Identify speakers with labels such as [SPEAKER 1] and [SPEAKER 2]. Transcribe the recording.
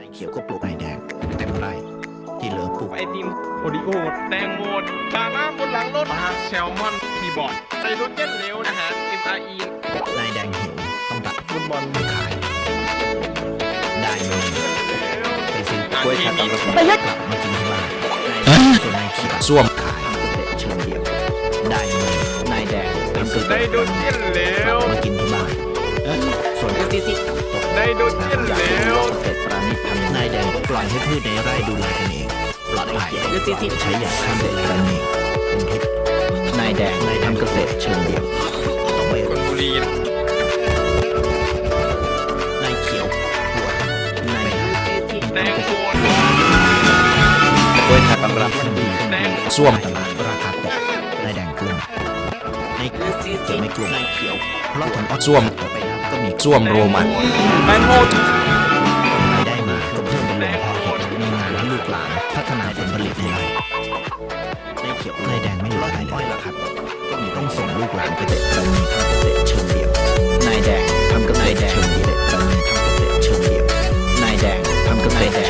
[SPEAKER 1] เขียวก็ปลูกนายแดงเต็มไร่ที่เหลือปลูก
[SPEAKER 2] ไอติมโอริโอแตงโมบานาบนหลังรถแซลมอนคีย์บอร์ดไซโรเจนเร็วนะฮะ MRE
[SPEAKER 1] นายแดงหิวต้องตัด
[SPEAKER 2] ฟุตบอล
[SPEAKER 1] ไปขายได้เงินไปซื้อก
[SPEAKER 2] ล้
[SPEAKER 1] ล้ว
[SPEAKER 2] วย ย
[SPEAKER 1] ขั
[SPEAKER 2] ขั
[SPEAKER 1] ด
[SPEAKER 2] ด
[SPEAKER 1] ตำ
[SPEAKER 2] ตำ
[SPEAKER 1] ร
[SPEAKER 2] ร
[SPEAKER 1] ว
[SPEAKER 2] ว
[SPEAKER 1] จ
[SPEAKER 2] จ
[SPEAKER 1] กลับมากินที่บ้านส่วนนายเขียวส้วมขายทำเกษตรเชิงเดียวนายเงินนายแดงทำเกษ
[SPEAKER 2] ได
[SPEAKER 1] ตร
[SPEAKER 2] โดเจนเร็ว
[SPEAKER 1] มากินที่บ้านส่วนที่ตก
[SPEAKER 2] ไดโดเจนเร็ว
[SPEAKER 1] เกษตรปราณีตทำนายแดงปล่อยให้พืชในไร่ดูแลกันเองปลอดภัยใช้อย่างข้ามเด็ดกันเองเป็นพิษนายแดงทำเกษตรเชิงเดียวต้องไป
[SPEAKER 2] ชลบุรี
[SPEAKER 1] นายเขียวหัวนาย
[SPEAKER 2] แตงโม
[SPEAKER 1] กล้วยขัดตำรับชั้นดี
[SPEAKER 2] แตง
[SPEAKER 1] ส้วมตลาดราคาตกนายแดงกลุ่มนายเขียวไม่กลุ่มนายเขียวเพราะผลส้วมต่อไปแล้วก็มีส้วมโรมัน
[SPEAKER 2] แตงโม
[SPEAKER 1] รายได้มาก็เพิ่มเป็นโรงเพาะเห็ดมีงานให้ลูกหลานพัฒนาผลผลิตในไร่นายเขียวนายแดงไม่เหลืออะไรเลยราคาตกก็มีต้องส่งลูกหลานไปเกษตรทำเกษตรเชิงเดียวนายแดงทำเกษตรเชิงเดียวทำเกษตรเชิงเดียวนายแดงทำเกษตร